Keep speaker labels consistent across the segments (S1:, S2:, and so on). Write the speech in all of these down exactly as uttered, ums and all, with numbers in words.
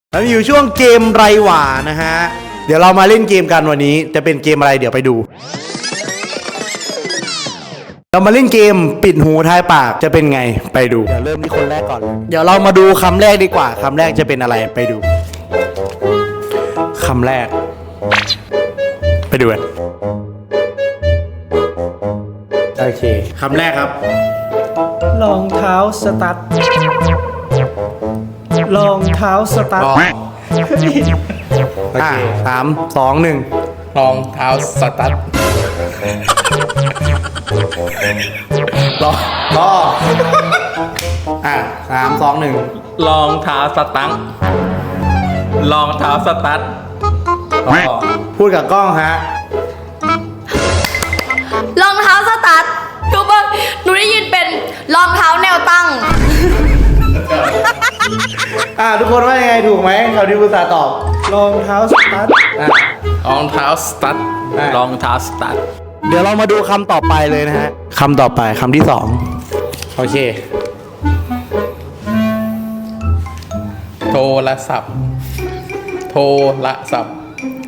S1: แล้วอยู่ช่วงเกมไรหว่านะฮะเดี๋ยวเรามาเล่นเกมกันวันนี้จะเป็นเกมอะไรเดี๋ยวไปดูเรามาเล่นเกมปิดหูทายปากจะเป็นไงไปดูเดี๋ยวเริ่มที่คนแรกก่อนเดี๋ยวเรามาดูคำแรกดีกว่าคำแรกจะเป็นอะไรไปดูคำแรกไปดูกันโอเคคำแรกครับ
S2: รองเท้าสตั๊ดรองเท้าสตั๊ด
S1: โอเคสามสองหนึ่ง
S3: รองเท้าสตั๊ด
S1: รอรออ่ะสามสองหนึ่ง
S3: รองเท้าสตั๊ดรองเท้าสตั๊ด
S1: พูดกับกล้องฮะ
S4: รองเท้าสตั๊ดทุกคนหนูได้ยินเป็นรองเท้าแนวตั้ง
S1: อ่ะทุกคนว่ายังไงถูกไหมเขาที่ภาษาตอบ
S2: รองเท้าสตั๊ด
S1: อ่ะ
S3: รองเท้าสตั๊ด
S1: อ่ะ
S3: รองเท้าสตั๊ด
S1: เดี๋ยวเรามาดูคำต่อไปเลยนะฮะคำต่อไปคำที่สองโอเค
S3: โทรศัพท์ โทรศัพท์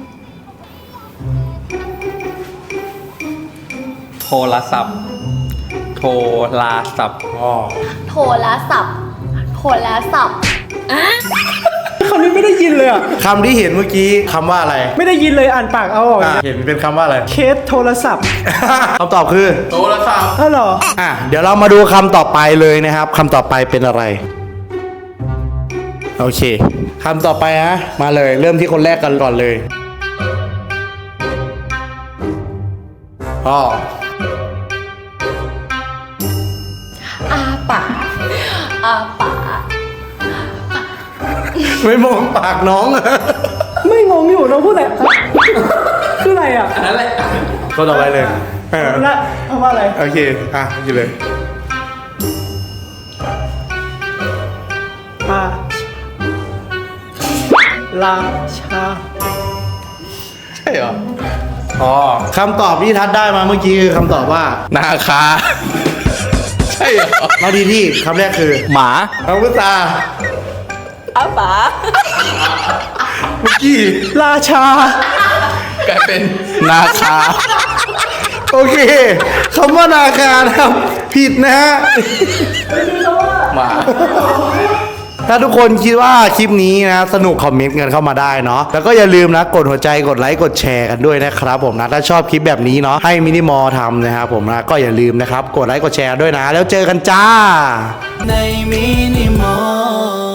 S3: โทรศัพท์ โทรศัพท์
S1: อ๋อ
S4: โทรศัพท์โทรศัพท์
S2: คำนี้ไม่ได้ยินเลยอ่ะ
S1: คำที่เห็นเมื่อกี้คำว่าอะไร
S2: ไม่ได้ยินเลยอ่านปากเอาออก
S1: อ่ะเห็นเป็นคำว่าอะไร
S2: เคสโทรศัพท์
S1: คำตอบคือ
S3: โทรศัพท์
S2: อ้าวเหรอ
S1: อ่ะเดี๋ยวเรามาดูคำต่อไปเลยนะครับคำต่อไปเป็นอะไรโอเคคำต่อไปฮะมาเลยเริ่มที่คนแรกกันก่อนเลยอ๋อ
S4: อาปากอาปาก
S1: ไม่มองปากน้อง
S2: ไม่งงอยู่น้องพูดอะไรครับคืออะไรอ่ะ
S3: นั่นแหละ
S1: ก็ต่อไปเลยเออ
S2: ละคำว่าอะไร
S1: โอเคอ่ะอยู่เลย
S2: อาลาชา
S3: ใช่เหรอ
S1: อ๋อคำตอบที่ทัดได้มาเมื่อกี้คือคำตอบว่า
S3: นาคา ใช่เหรอ
S1: เราดีที่คำแรกคือ
S3: หมา
S1: คำพุทธา
S4: อาปาก
S1: เมื่อกี้
S2: ราชาก
S3: ลายเป็นนาคา
S1: โอเคคำว่านาคานะครับผิดนะฮะ
S3: หมา
S1: ถ้าทุกคนคิดว่าคลิปนี้นะสนุกคอมเมนต์กันเข้ามาได้เนาะแล้วก็อย่าลืมนะกดหัวใจกดไลค์กดแชร์กันด้วยนะครับผมนะถ้าชอบคลิปแบบนี้เนาะให้มินิมอลทำนะครับผมนะก็อย่าลืมนะครับกดไลค์กดแชร์ด้วยนะแล้วเจอกันจ้า
S2: ในมินิมอล